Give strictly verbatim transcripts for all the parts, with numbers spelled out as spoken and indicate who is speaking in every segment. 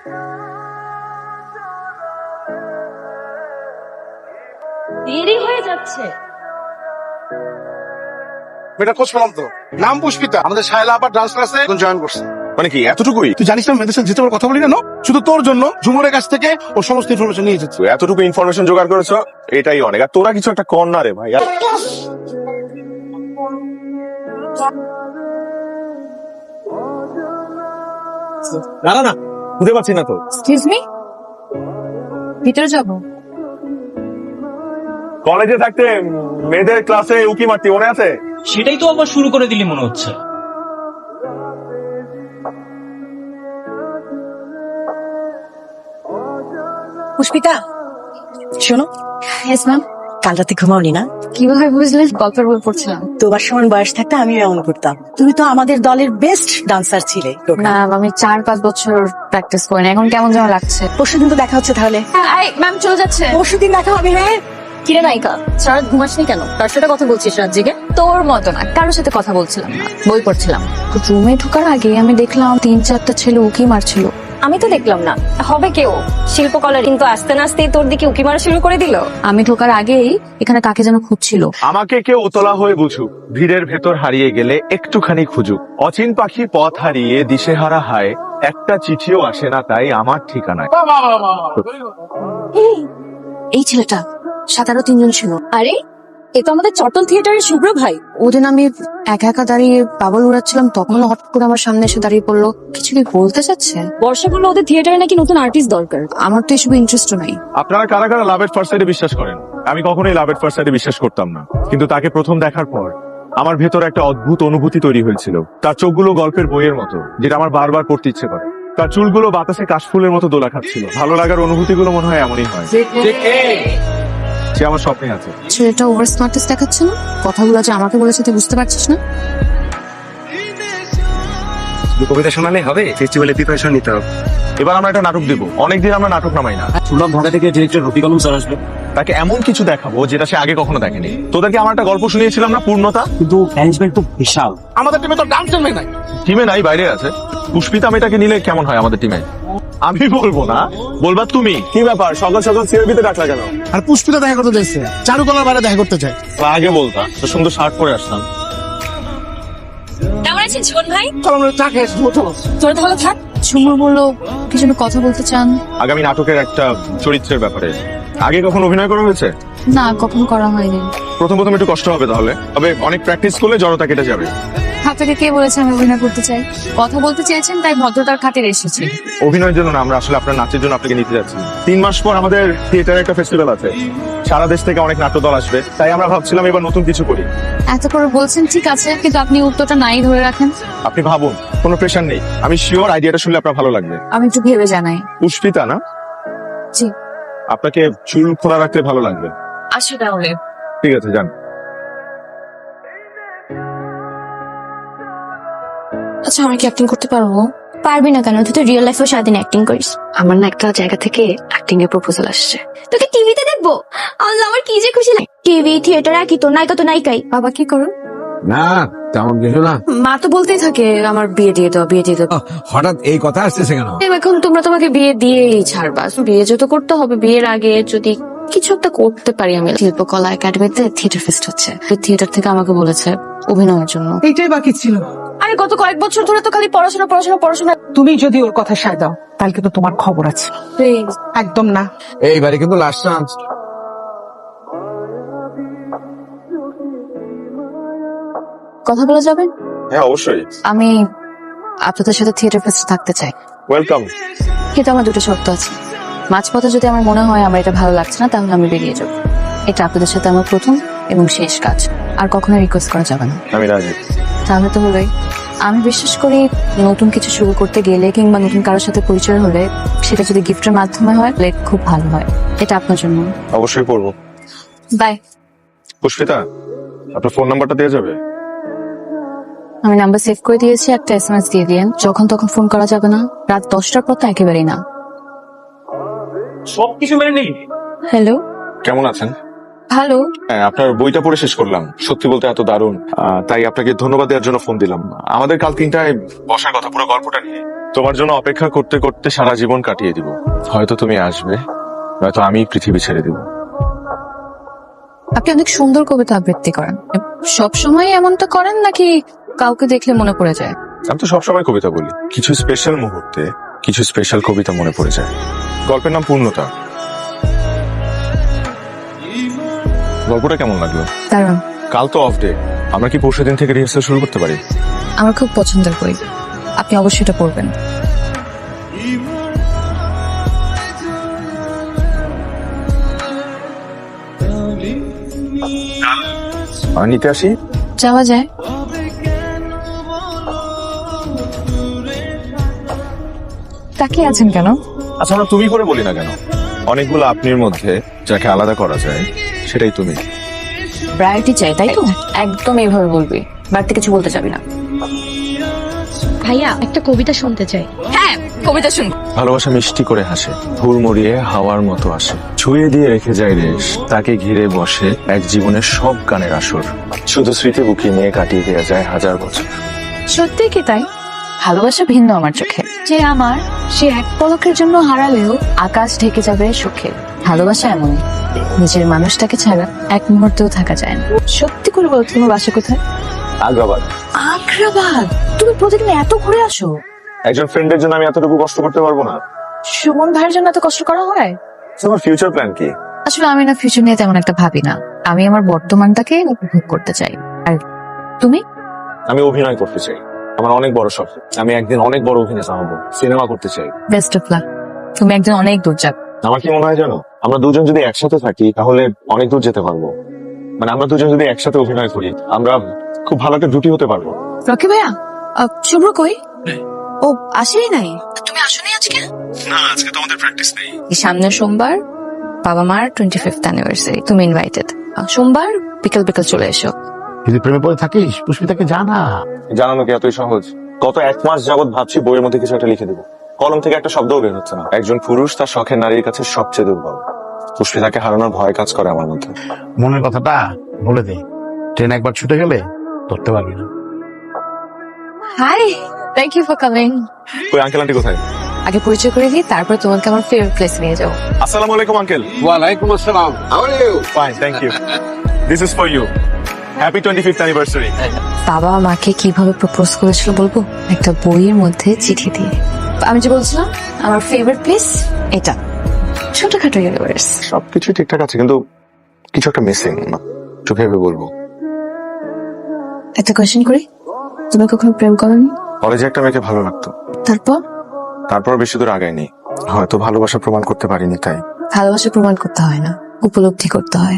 Speaker 1: দেরি হয়ে যাচ্ছে।
Speaker 2: মেয়েটা খোঁজ পেলাম তো, নাম পুষ্পিতা, আমাদের শায়লা আবার ডান্স ক্লাসে জয়েন করছে।
Speaker 3: মানে কি এতটুকুই?
Speaker 2: তুই জানিস না মেয়েদের সাথে যেতে কথা বলি না, শুধু তোর জন্য ঝুমুরের কাছ থেকে ও সমস্ত ইনফরমেশন নিয়ে এসেছে।
Speaker 3: তুই এতটুকু ইনফরমেশন জোগাড় করেছো, এটাই অনেক। আর তোরা কিছু একটা কর না রে ভাই। আর না না না বুঝতে পারছি না তো।
Speaker 1: এক্সকিউজ মি, ভিতরে যাব?
Speaker 3: কলেজে থাকতে মেয়েদের ক্লাসে উকি মারতি মনে আছে?
Speaker 4: সেটাই তো আবার শুরু করে দিলি মনে হচ্ছে।
Speaker 5: পুষ্পিতা শোনো।
Speaker 1: Yes ma'am.
Speaker 5: কাল রাতে ঘুমাওনি না?
Speaker 1: কিভাবে বুঝলেন? গল্পের বই পড়ছিলাম।
Speaker 5: তোমার সমান বয়স থাকতে আমি এমন করতাম। তুমি তো আমাদের দলের বেস্ট ডান্সার ছিলে।
Speaker 1: ম্যাম আমি চার পাঁচ বছর প্র্যাকটিস করি না, এখন কেমন যেন লাগছে।
Speaker 5: পরশুদিন তো দেখা হচ্ছে তাহলে।
Speaker 1: ম্যাম চলে যাচ্ছে।
Speaker 5: পরশুদিন দেখা হবে। হ্যাঁ
Speaker 1: কিরে নায়িকা, সারা রাত ঘুমাসনি কেন? কার সাথে কথা বলছিস রাত জেগে? তোর মতো না, কারোর সাথে কথা বলছিলাম না, বই পড়ছিলাম। রুমে ঢোকার আগে আমি দেখলাম তিন চারটা ছেলে উকি মারছিল। আমি তো দেখলাম না, হবে কেউ শিল্পকলার, কিন্তু আস্তে না আস্তেই তোর দিকে উকি মারা শুরু করে দিল। আমি ঢোকার আগেই এখানে কাকে যেন খুঁজছিল।
Speaker 3: আমাকে কেউ উতলা হয়ে বুঝুক, ভিড়ের ভেতর হারিয়ে গেলে একটুখানি খুঁজুক। অচিন পাখি পথ হারিয়ে দিশেহারা হায়, একটা চিঠিও আসে না তাই আমার ঠিকানায়।
Speaker 1: এই ছেলেটা, সাত আরো তিনজন ছিল। আরে এ তো আমাদের চট্টল থিয়েটারের শুভ্র ভাই। ওদিন আমি একা একা দাঁড়িয়ে বাবল উড়াচ্ছিলাম, তখন হঠাৎ করে আমার সামনে এসে দাঁড়িয়ে পড়লো। কিছু কি বলতে চাচ্ছে? বর্ষা বললো ওদের থিয়েটারে নাকি নতুন আর্টিস্ট দরকার। আমার তো এসব ইন্টারেস্ট নাই।
Speaker 3: আপনারা কারা কারা লাভ এট ফার্স্ট সাইডে বিশ্বাস করেন? আমি কখনোই লাভ এট ফার্স্ট সাইডে বিশ্বাস করতাম না, কিন্তু তাকে প্রথম দেখার পর আমার ভেতর একটা অদ্ভুত অনুভূতি তৈরি হয়েছিল। তার চোখগুলো গল্পের বইয়ের মতো, যেটা আমার বারবার পড়তে ইচ্ছে করে। তার চুলগুলো বাতাসে কাশফুলের মতো দোলা খাচ্ছিল। ভালো লাগার অনুভূতিগুলো মনে হয় এমনই হয়। সে আমার স্বপ্নে আছে।
Speaker 1: ছেলেটা ওভার স্মার্টনেস দেখাচ্ছে না? কথাগুলো যে আমাকে বলেছে তুই বুঝতে পারছিস না?
Speaker 6: কবিতা শোনালে হবে? ফেস্টিভ্যালে প্রিপারেশন নিতে হবে।
Speaker 3: এবার আমরা একটা নাটক দেবো। অনেকদিন আমরা নাটক নামাই না।
Speaker 6: শুনলাম ঢাকা থেকে ডিরেক্টর রফিক আলম স্যার আসবে।
Speaker 3: তাকে এমন কিছু দেখাবো যেটা সে আগে কখনো দেখেনি। তোদেরকে আমার একটা গল্প শুনিয়েছিলাম না, পূর্ণতা?
Speaker 6: কিন্তু ম্যানেজমেন্ট তো বিশাল।
Speaker 2: আমাদের টিমে তো ডান্সের মেয়ে নাই।
Speaker 3: টিমে নাই, বাইরে আছে। পুষ্পিতা মেয়েটাকে নিলে কেমন হয় আমাদের টিমে? আমি বলবো না, বলবা তুমি। কি ব্যাপার সকাল সকাল সিআরবিতে ডাকলা কেন?
Speaker 2: আর পুষ্পিতা দেখা করতে চাইছে, চারুকলার বাইরে দেখা করতে চাই।
Speaker 3: আগে বলতা তো সুন্দর শার্ট পরে আসতাম।
Speaker 1: কেমন আছেন জীবন ভাই?
Speaker 2: চলো আমরা চা খেয়ে আসবো, চলো।
Speaker 1: তোর ভালো থাক। সুমন বললো কিছু কথা বলতে চান।
Speaker 3: আগামী নাটকের একটা চরিত্রের ব্যাপারে। আগে কখনো অভিনয় করা হয়েছে?
Speaker 1: না, কখনো করা হয়নি।
Speaker 3: প্রথম প্রথম একটু কষ্ট হবে, তাহলে তবে অনেক প্র্যাকটিস করলে জড়তা কেটে যাবে।
Speaker 1: আপনাকে কে বলেছে আমি অভিনয় করতে চাই? কথা বলতে চেয়েছেন তাই ভদ্রতার খাতিরে এসেছি।
Speaker 3: অভিনয়ের জন্য না, আমরা আসলে আপনার নাচের জন্য আপনাকে নিতে যাচ্ছি। তিন মাস পর আমাদের থিয়েটারে একটা ফেস্টিভ্যাল আছে, সারা দেশ থেকে অনেক নাট্যদল আসবে, তাই আমরা ভাবছিলাম এবার নতুন কিছু করি।
Speaker 1: এত করে বলছেন ঠিক আছে, কিন্তু আপনি উত্তরটা নাই ধরে রাখেন।
Speaker 3: আপনি ভাবুন, কোনো প্রেশার নেই। আমি শিওর আইডিয়াটা শুনলে আপনার ভালো লাগবে।
Speaker 1: আমি একটু ভেবে জানাই।
Speaker 3: পুষ্পিতা না?
Speaker 1: জি।
Speaker 3: আপনাকে চুল খোলা রাখতে ভালো লাগবে।
Speaker 1: আসি তাহলে।
Speaker 3: ঠিক আছে, যান।
Speaker 1: আচ্ছা আমি কি অ্যাক্টিং করতে পারবো?
Speaker 7: পারবি না কেন? তুই তো রিয়েল লাইফেও সারাদিন অ্যাক্টিং করিস।
Speaker 1: আমার না একটা জায়গা থেকে অ্যাক্টিং এর প্রপোজাল আসছে।
Speaker 7: তোকে টিভিতে দেখবো? আল্লাহ, আমার কি যে খুশি লাগে। টিভি থিয়েটার একই তো, নায়িকা তো নায়িকাই।
Speaker 1: বাবা কি করো?
Speaker 8: না তেমন কিছু না।
Speaker 1: মা তো বলতেই থাকে আমার বিয়ে দিয়ে দাও, বিয়ে দিয়ে দাও।
Speaker 8: হঠাৎ এই কথা আসতেছে কেন?
Speaker 1: এখন তোমরা তোমাকে বিয়ে দিয়েই ছাড়বা। বিয়ে যত করতে হবে, বিয়ের আগে যদি কিছু একটা করতে পারি। আমি শিল্পকলা একাডেমিতে থিয়েটার ফেস্ট হচ্ছে, থিয়েটার থেকে আমাকে বলেছে অভিনয়ের জন্য।
Speaker 5: এইটাই বাকি ছিল।
Speaker 1: আরে গত কয়েক বছর ধরে তো খালি পড়াশোনা পড়াশোনা পড়াশোনা।
Speaker 5: তুমি যদি ওর কথা সায় দাও তাহলে কিন্তু তোমার খবর আছে। একদম না।
Speaker 8: এইবারে কিন্তু লাস্ট চান্স।
Speaker 1: কথা বলা যাবে?
Speaker 3: হ্যাঁ অবশ্যই।
Speaker 1: আমি আপনাদের সাথে থিয়েটার ফেস্টে থাকতে চাই।
Speaker 3: ওয়েলকাম।
Speaker 1: কিন্তু আমার দুটো শর্ত আছে। মাঝপথে যদি আমার মনে হয় আমার এটা ভালো লাগছে না, তাহলে আমি বেরিয়ে যাব। এটা আপনাদের সাথে আমার প্রথম এবং শেষ কাজ, আর কখনো রিকোয়েস্ট করা যাবে না।
Speaker 3: আমি রাজি।
Speaker 1: তাহলে তো হলোই। আমি বিশ্বাস করি নতুন কিছু শুরু করতে গেলে কিংবা নতুন কারোর সাথে পরিচয় হলে সেটা যদি গিফটের মাধ্যমে হয় তাহলে খুব ভালো হয়। এটা আপনার জন্য।
Speaker 3: অবশ্যই করবো।
Speaker 1: বাই।
Speaker 3: পুষ্পিতা, আপনার ফোন নাম্বারটা দেওয়া যাবে?
Speaker 1: আমি নাম্বার সেভ করে দিয়েছি, একটা এসএমএস দিয়ে দিয়েন। যখন তখন ফোন করা যাবে না, রাত দশটার পর তো একেবারেই না।
Speaker 4: সবকিছু মেনে নিই।
Speaker 1: হ্যালো,
Speaker 3: কেমন আছেন?
Speaker 1: ভালো।
Speaker 3: হ্যাঁ, আপনার বইটা পড়ে শেষ করলাম, সত্যি বলতে এত দারুণ। আহ, তাই আপনাকে ধন্যবাদ দেওয়ার জন্য ফোন দিলাম। আমাদের কাল তিনটায় বসার কথা, পুরো গল্পটা নিয়ে। তোমার জন্য অপেক্ষা করতে করতে সারা জীবন কাটিয়ে দিব। হয়তো তুমি আসবে, নয়তো আমি পৃথিবী ছেড়ে দিব।
Speaker 1: আপনি অনেক সুন্দর কবিতা আবৃত্তি করেন, সব সময় এমনটা করেন নাকি কাউকে দেখলে মনে পড়ে যায়?
Speaker 3: আমি তো সবসময় কবিতা বলি, কিছু স্পেশাল মুহূর্তে কিছু স্পেশাল কবিতা মনে পড়ে যায়। গল্পের নাম পূর্ণতা। গল্পটা কেমন লাগলো?
Speaker 1: দারুণ।
Speaker 3: কাল তো অফ ডে, আমরা কি পরশু দিন থেকে রিহার্সাল শুরু করতে পারি?
Speaker 1: আমার খুব পছন্দের বই, আপনি অবশ্যই এটা পড়বেন।
Speaker 3: আর নিতে আসি?
Speaker 1: যাওয়া যায়। তাকিয়ে আছেন কেন?
Speaker 3: আচ্ছা, আমরা তুমি করে বলি না কেন? অনেকগুলো আপনির মধ্যে যাকে আলাদা করা যায় সেটাই তুমি।
Speaker 1: ভ্যারাইটি চাই, তাই তো? একদম এইভাবে বলবি, বাড়তি কিছু বলতে চাবি না।
Speaker 7: ভাইয়া একটা কবিতা শুনতে চাই।
Speaker 1: হ্যাঁ, কবিতা শুন।
Speaker 3: ভালোবাসা মিষ্টি করে হাসে, হুড় মরিয়ে হাওয়ার মতো আসে, ছুঁয়ে দিয়ে রেখে যায় রেশ, তাকে ঘিরে বসে এক জীবনের সব গানের আসর, শুধু স্মৃতি বুকি নিয়ে কাটিয়ে দেওয়া যায় হাজার বছর।
Speaker 1: সত্যি কি তাই? ভালোবাসা ভিন্ন আমার চোখে, যে আমার সে এক পলকের জন্য হারালেও আকাশ ঢেকে যাবে সুখে। ভালোবাসা এমনই, নিজের মানুষটাকে ছাড়া এক মুহূর্তেও থাকা যায় না। সত্যি করে বলো, তোমার বাসা কোথায়?
Speaker 3: আগ্রাবাদ।
Speaker 1: আগ্রাবাদ? তুমি প্রতিদিন এত ঘুরে আসো?
Speaker 3: একজন ফ্রেন্ডের জন্য আমি এতটুকু কষ্ট করতে পারবো না।
Speaker 1: সুমন ভাইয়ের জন্য এত কষ্ট করা হয়?
Speaker 3: তোমার ফিউচার প্ল্যান কি?
Speaker 1: আসলে আমি না ফিউচার নিয়ে তেমন একটা ভাবি না, আমি আমার বর্তমানটাকে উপভোগ করতে চাই। আর তুমি?
Speaker 3: আমি অভিনয় করতে চাই, আমার অনেক বড় শখ। আমি একদিন অনেক বড় অভিনেতা হবো, সিনেমা করতে চাই।
Speaker 1: বেস্ট অফ লাক, তুমি একদিন অনেক দূর যাবে।
Speaker 3: আমার কি মনে হয় জানো, আমরা দুজন যদি একসাথে থাকি তাহলে অনেক দূর যেতে পারবো। মানে আমরা দুজন যদি একসাথে অভিনয় করি, আমরা খুব ভালো একটা জুটি হতে পারবো।
Speaker 1: রকি ভাইয়া, আহ, শুভ্র কই? ও আসেই নাই? তুমি আসোনি আজকে?
Speaker 3: না, আজকে তো আমাদের প্র্যাকটিস নেই।
Speaker 1: এই সামনের সোমবার বাবা মার টোয়েন্টি ফিফথ অ্যানিভার্সারি, তুমি ইনভাইটেড। সোমবার বিকেল বিকেল চলে এসো।
Speaker 2: যদি প্রেমে পড়ে থাকিস পুষ্পিতাকে জানা।
Speaker 3: জানানো কি এতই সহজ? গত এক মাস যাবত ভাবছি বইয়ের মধ্যে কিছু একটা লিখে দেবো, কলম থেকে একটা শব্দও বের হচ্ছে না। একজন পুরুষ তার শখের নারীর কাছে সবচেয়ে দুর্বল। পুষ্পিতাকে হারানোর ভয় কাজ করে আমার মধ্যে।
Speaker 2: মনের কথাটা বলে দে, ট্রেন একবার ছুটে গেলে ধরতে পারবি না।
Speaker 1: Hi, thank you for coming.
Speaker 3: ওই আঙ্কেল আন্টি কোথায়?
Speaker 1: আগে পরিচয় করে দিই, তারপর তোমাকে আমার ফেভারিট প্লেস নিয়ে যাও।
Speaker 3: আসসালামু আলাইকুম আঙ্কেল।
Speaker 8: ওয়ালাইকুম আসসালাম। How are you?
Speaker 3: Fine, thank you. This is for you. Happy twenty fifth anniversary.
Speaker 1: বাবা মাকে কিভাবে প্রপোজ করেছিল বলবো? একটা বইয়ের মধ্যে চিঠি দিয়ে। আমি যে বলছিলাম আমার ফেভারিট প্লেস এটা, ছোটখাটো ইউনিভার্স।
Speaker 3: সবকিছু ঠিকঠাক আছে, কিন্তু কিছু একটা মিসিং। চোখে ভেবে বলবো।
Speaker 1: একটা কোয়েশ্চেন করি, তুমি কখনো প্রেম করোনি?
Speaker 3: কলেজে একটা মেয়েকে ভালো লাগতো,
Speaker 1: তারপর?
Speaker 3: তারপর বেশি দূর আগায়নি। হয়তো ভালোবাসা প্রমাণ করতে পারিনি তাই।
Speaker 1: ভালোবাসা প্রমাণ করতে হয় না, উপলব্ধি করতে হয়।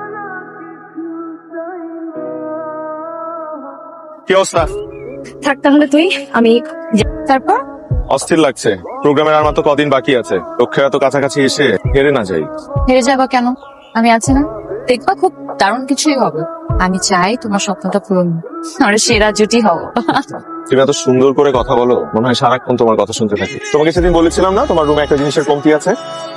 Speaker 3: কি অবস্থা?
Speaker 1: থাক তাহলে তুই, আমি তারপর।
Speaker 3: অস্থির লাগছে, প্রোগ্রামের আর মাত্র কদিন বাকি আছে। লক্ষ্যের এত কাছাকাছি এসে হেরে না যাই।
Speaker 1: হেরে যাবা কেন? আমি আছি না, দেখবা খুব দারুণ কিছুই হবে। আমি চাই তোমার স্বপ্নটা পূরণ, আর সেরা জুটি হবো।
Speaker 3: তুমি এত সুন্দর করে কথা বলো, মনে হয় সারাক্ষণ তোমার কথা শুনতে থাকি। তোমাকে সেদিন বলেছিলাম না তোমার রুমে একটা জিনিসের কমতি আছে?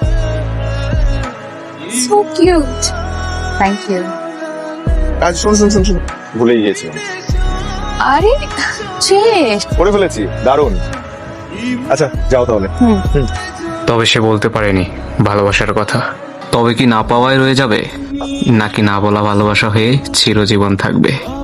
Speaker 1: So cute, thank you.
Speaker 3: আজ শুন শুন শুন শুন ভুলেই গিয়েছিলাম।
Speaker 1: আরে শেষ
Speaker 3: করে ফেলেছি, দারুণ। আচ্ছা যাও তাহলে।
Speaker 6: তবে সে বলতে পারেনি ভালোবাসার কথা। তবে কি না পাওয়ায় রয়ে যাবে, নাকি না বলা ভালোবাসা হয়ে চিরজীবন থাকবে?